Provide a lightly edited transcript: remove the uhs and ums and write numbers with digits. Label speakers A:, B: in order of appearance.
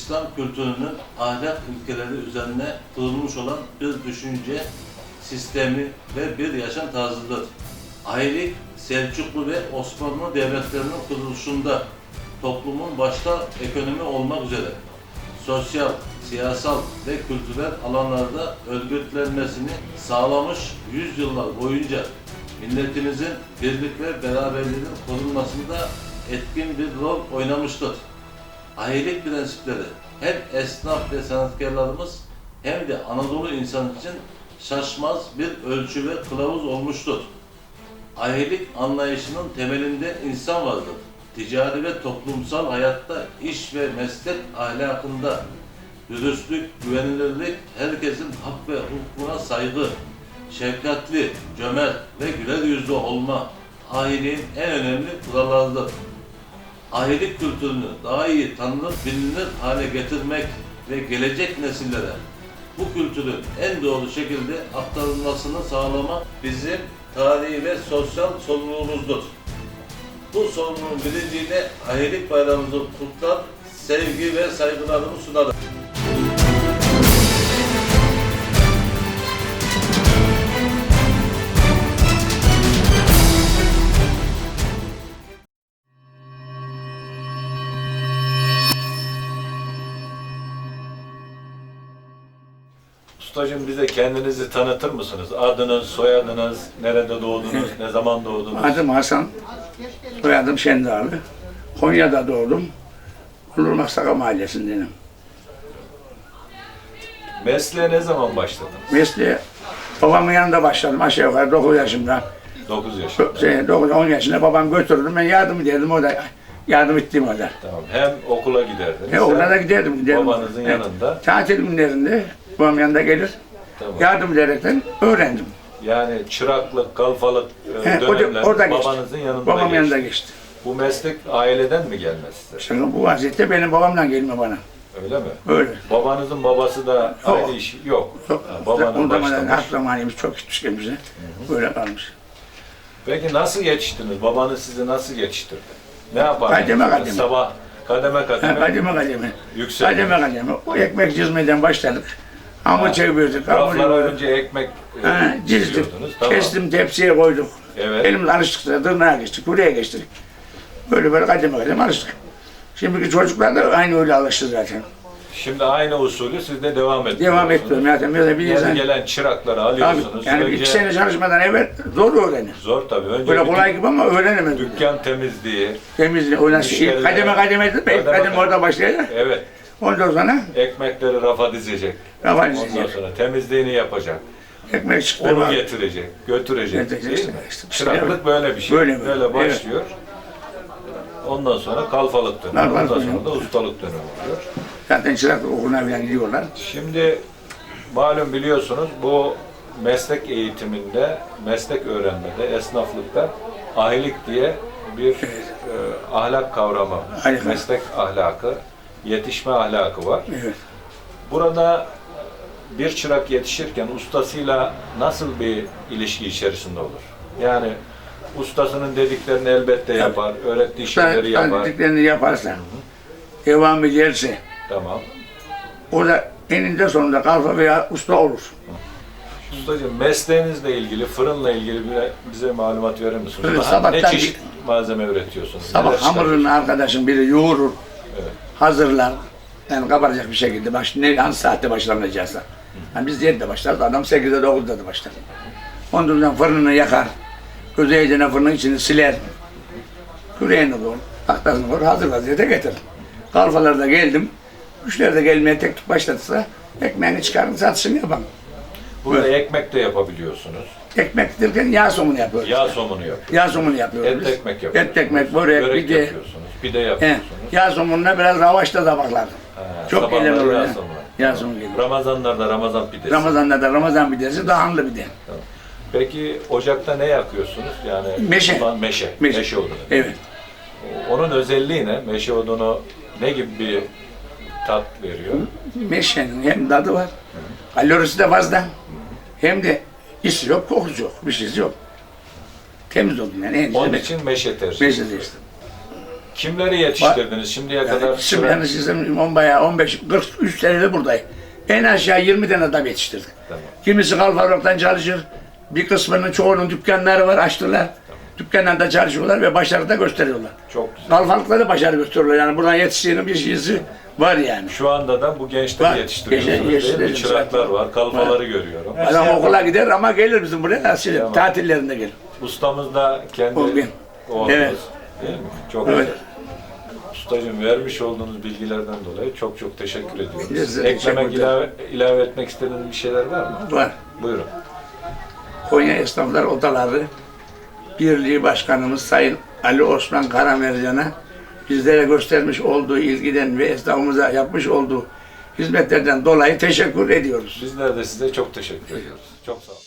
A: İslam kültürünün ahlak ilkeleri üzerine kurulmuş olan bir düşünce sistemi ve bir yaşam tarzıdır. Ailelik, Selçuklu ve Osmanlı devletlerinin kuruluşunda toplumun başta ekonomi olmak üzere sosyal, siyasal ve kültürel alanlarda örgütlenmesini sağlamış yüzyıllar boyunca milletimizin birlik ve beraberliğinin korunmasında etkin bir rol oynamıştır. Ailelik prensipleri hem esnaf ve sanatkarlarımız hem de Anadolu insanı için şaşmaz bir ölçü ve kılavuz olmuştur. Ailelik anlayışının temelinde insan vardır. Ticari ve toplumsal hayatta, iş ve meslek ahlakında dürüstlük, güvenilirlik, herkesin hak ve hukukuna saygı, şefkatli, cömert ve güler yüzlü olma aileliğin en önemli kurallarıdır. Ailelik kültürünü daha iyi tanınır, bilinir hale getirmek ve gelecek nesillere bu kültürün en doğru şekilde aktarılmasını sağlamak bizim tarihi ve sosyal sorumluluğumuzdur. Bu sorumluluğun bilinciyle ailelik bayramımızı kutlar, sevgi ve saygılarımı sunarım.
B: Ustacığım bize kendinizi tanıtır mısınız? Adınız, soyadınız, nerede doğdunuz, ne zaman doğdunuz?
C: Adım Hasan, soyadım Şendağlı. Konya'da doğdum. Onurmaksaka Mahallesi'ndenim.
B: Mesleğe ne zaman başladınız?
C: Mesleğe babamın yanında başladım aşağı yukarı 9 yaşımda.
B: 9 yaşında.
C: 9-10 yaşında babam götürdüm, ben yardım ederdim, o da yardım ettiğim kadar.
B: Tamam. Hem okula giderdiniz.
C: Okula da
B: hem
C: giderdim.
B: babanızın yanında.
C: Tatil günlerinde babam yanında gelir,
B: Tamam.
C: yardım ederekten öğrendim.
B: Yani çıraklık, kalfalık
C: O
B: dönemler
C: orada geçti.
B: babanızın yanında
C: Babam
B: geçti.
C: yanında geçti.
B: Bu meslek aileden mi gelmez size?
C: Şimdi bu vaziyette benim babamdan gelme bana.
B: Öyle mi?
C: Öyle.
B: Babanızın babası da
C: Yok.
B: aynı iş yok.
C: Yok.
B: Ha, babanın
C: Ondan
B: başlamış.
C: hak zamanımız çok gitmiş kendimize. Böyle kalmış.
B: Peki nasıl yetiştiniz? Babanız sizi nasıl yetiştirdi? Ne yapardınız?
C: Kademe kademe.
B: Sabah kademe kademe.
C: Kademe kademe.
B: Yükseldi.
C: Kademe kademe. O ekmek çizmeden başladık. Hamur çevirdik.
B: Raflara önce ekmek
C: Çizdik.
B: çiziyordunuz. Tamam.
C: Kestim, tepsiye koyduk.
B: Evet.
C: Elimiz alıştık, tırnağa geçtik, buraya geçtik. Böyle kademe kademe alıştık. Şimdiki çocuklar da aynı öyle alıştı zaten.
B: Şimdi aynı usulü siz de devam ediyorsunuz.
C: Devam etmiyorum zaten. Böyle bir
B: Yeni
C: insan...
B: gelen çırakları
C: Abi,
B: alıyorsunuz.
C: yani
B: Önce
C: 2 sene çalışmadan evvel zor öğrenir.
B: zor tabii. Önce
C: Böyle
B: bir
C: kolay gibi ama öğrenemez.
B: dükkan temizliği.
C: Temizliği, o nasıl
B: müşteriler-
C: kademe kademe edip
B: Kademe
C: kademe
B: kademe.
C: orada başlayacak.
B: Evet.
C: Ondan sonra
B: Ekmekleri rafa dizecek.
C: rafa
B: Ondan
C: dizecek.
B: sonra temizliğini yapacak.
C: Ekmek çıktı.
B: Onu
C: bak.
B: getirecek, götürecek.
C: Götürecek,
B: Değil mi?
C: işte.
B: Çıraklık böyle bir şey.
C: Böyle.
B: Böyle başlıyor. Ondan sonra kalfalık dönemi.
C: Kalfalık
B: Ondan
C: dönemi.
B: sonra da ustalık dönemi oluyor.
C: Zaten çıraklık okuluna falan gidiyorlar.
B: Şimdi malum biliyorsunuz bu meslek eğitiminde, meslek öğrenmede, esnaflıkta ahilik diye bir ahlak kavramı,
C: Ahlak.
B: meslek ahlakı, yetişme ahlakı var.
C: Evet.
B: Burada bir çırak yetişirken ustasıyla nasıl bir ilişki içerisinde olur? Yani ustasının dediklerini elbette yapar, öğrettiği şeyleri yapar.
C: Dediklerini yaparsa, devam ederse,
B: Tamam.
C: o da eninde sonunda kalfa veya usta olur.
B: Ustacığım mesleğinizle ilgili, fırınla ilgili bize malumat verir misiniz?
C: Fırın,
B: Ne
C: sabahtan
B: çeşit malzeme üretiyorsunuz?
C: Sabah
B: Neler
C: hamurunu
B: çıkarıyorsunuz?
C: arkadaşım biri yoğurur,
B: Evet.
C: hazırlar. Yani kabaracak bir şekilde hangi saatte başlanacaksa. Yani biz 7'de başlarız, adam 8'de 9'da da başlar. Ondan sonra fırınını yakar, gözeyeceğine fırının içini siler. Küreğini koyar, tahtasını koyar, hazır vaziyete getirir. Kalfalarda geldim, müşteri de gelmeye tek tük başlatırsa ekmeğini çıkarın, satışını yapalım.
B: Burada ekmek de yapabiliyorsunuz.
C: Ekmek derken yağ somunu yapıyoruz.
B: Yağ somunu yapıyorsunuz.
C: Yağ somunu yapıyoruz
B: Et
C: biz.
B: ekmek yapıyorsunuz.
C: Et ekmek, börek, pide.
B: yapıyorsunuz. Pide
C: He,
B: yapıyorsunuz.
C: yağ somununa biraz lavaşta tabaklar. Çok
B: sabahları
C: eğlenceli oluyor.
B: yağ somunu.
C: Yağ somunu geliyor.
B: Ramazanlarda Ramazan pidesi.
C: Ramazan'da da Ramazan pidesi dağınlı pide.
B: Peki ocakta ne yakıyorsunuz? Yani
C: Meşe.
B: Meşe.
C: Meşe.
B: Meşe odunu.
C: Evet.
B: Onun özelliği ne? Meşe odunu ne gibi bir tat veriyor?
C: Meşenin hem tadı var, kalorisi de fazla, hem de isi yok, kokusu yok, bir şeysi yok. Temiz odun yani. En
B: Onun
C: güzel
B: için meşe tercih
C: meşe
B: ediyoruz.
C: işte.
B: Kimleri yetiştirdiniz şimdiye kadar?
C: Şimdi yani sizin 15-43 senedir buradayım. En aşağı 20 tane adam yetiştirdik.
B: Tamam.
C: Kimisi kalfalıktan çalışır. Bir kısmının çoğunun dükkanları var, açtılar. Dükkanlarda çalışıyorlar ve başarı da gösteriyorlar.
B: Çok güzel.
C: Kalfalıkta da başarı gösteriyorlar. Yani buradan yetiştiğinin bir şeysi var yani.
B: Şu anda da bu gençleri
C: Var.
B: yetiştiriyorsunuz değil mi?
C: Yetiştiriyoruz.
B: Çıraklar var, kalfaları görüyorum.
C: Adam okula gider ama gelir bizim buraya.
B: Tamam.
C: Tatillerinde gelir.
B: Ustamız da kendi
C: Oğlum.
B: oğlunuz.
C: Evet.
B: Değil mi? Çok
C: Evet.
B: güzel. Ustacığım vermiş olduğunuz bilgilerden dolayı çok çok teşekkür ediyoruz.
C: Biz de
B: Eklemek,
C: teşekkür ederiz.
B: ilave etmek istediğiniz bir şeyler var mı?
C: Var.
B: Buyurun.
C: Konya Esnaflar Odaları Birliği Başkanımız Sayın Ali Osman Karamercan'a bizlere göstermiş olduğu ilgiden ve esnafımıza yapmış olduğu hizmetlerden dolayı teşekkür ediyoruz.
B: Bizler de size çok teşekkür ediyoruz. Çok sağ olun.